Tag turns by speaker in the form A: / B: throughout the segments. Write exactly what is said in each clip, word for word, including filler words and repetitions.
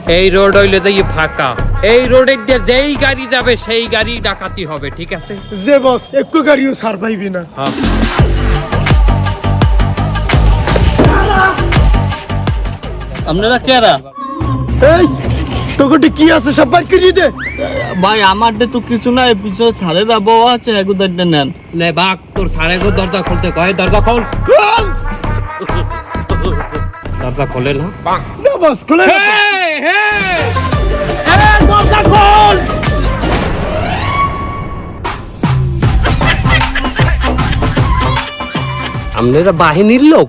A: এই রোড হইলে যাই ফাঁকা, এই রোডের দিয়ে যেই গাড়ি যাবে সেই গাড়ি ডাকাতি হবে, ঠিক আছে?
B: যে বস একটু গাড়িও ছাড় পাইবি না।
A: হ্যাঁ।
C: আপনারা কেরা?
B: এই তোকে কি আছে সব বার করে দে।
C: ভাই আমার তো কিছু নাই, পিছনে ছাড়ের আবহাওয়া আছে, এগুদারটা নেন।
A: লে বাঘ, তোর সাড়ে গো দরজা খুলতে কয়, দরজা খোল।
B: খোল
A: দরজা খোলে না।
B: না বস খুলে না।
A: হেই, হেই, এই, দরজা খোল। আপনারা বাহিনীর লোক?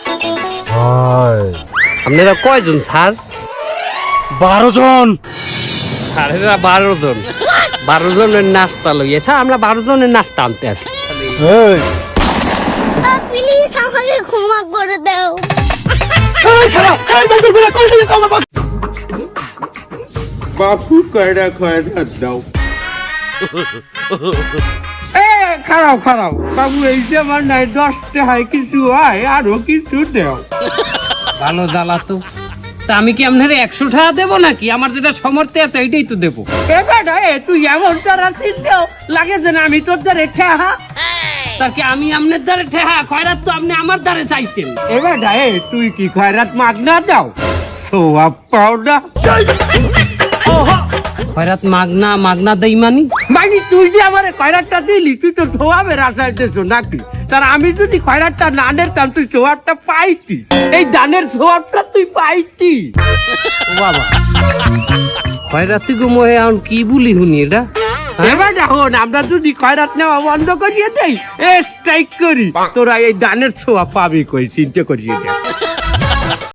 A: আপনারা কয়জন স্যার?
B: বারো জন।
A: স্যারেরা বারো জন। বারো জনের নাস্তা লইয়ে স্যার, আমরা বারো জনের নাস্তা আনতে আসি।
B: এই
D: প্লিজ আমাকে ক্ষমা করে দাও।
B: এই খালা, এই বন্ধুর বেলা কল দিয়েছ আমার বস।
E: বাপু কয়টা খয়রা দাও। এ খারাপ খারাপ বাবু, এই যে আমার নাই দশটা হয় কিছু হয় আরো কিছু দেও।
A: ভালো জ্বালা তো। তা আমি কি আপনার একশো টাকা দেবো নাকি? আমার যেটা সমর্থে আছে এইটাই তো দেবো।
E: এবার এ তুই এমন তারা চিনলেও লাগে যে না আমি তোর দ্বারে ঠেহা।
A: তার কি আমি আপনার দ্বারে ঠেহা? খয়রাত তো আপনি আমার দ্বারে চাইছেন।
E: এবার এ তুই কি খয়রাত মাগনা দাও? সোয়াব পাও না।
A: খয়রাত মাগনা মাগনা দেই মানি?
E: মানে তুই যে আমার খয়রাতটা দিলি, তুই তো সোয়াবের আশায় দিয়েছো নাকি? তার আমি যদি খয়রাতটা না নিতাম তুই সোয়াবটা পাইতি, এই দানের সোয়াবটা তুই পাইতি।
A: ও বাবা, খয়রাতি গো মোহে এখন কি বলি শুনি এটা?
E: এবার এখন আমরা যদি খয়রাত নেওয়া বন্ধ করিয়ে দেই, এ স্ট্রাইক করি, তোরা এই দানের ছোঁয়া পাবি কই, চিন্তা করিয়ে দেখ।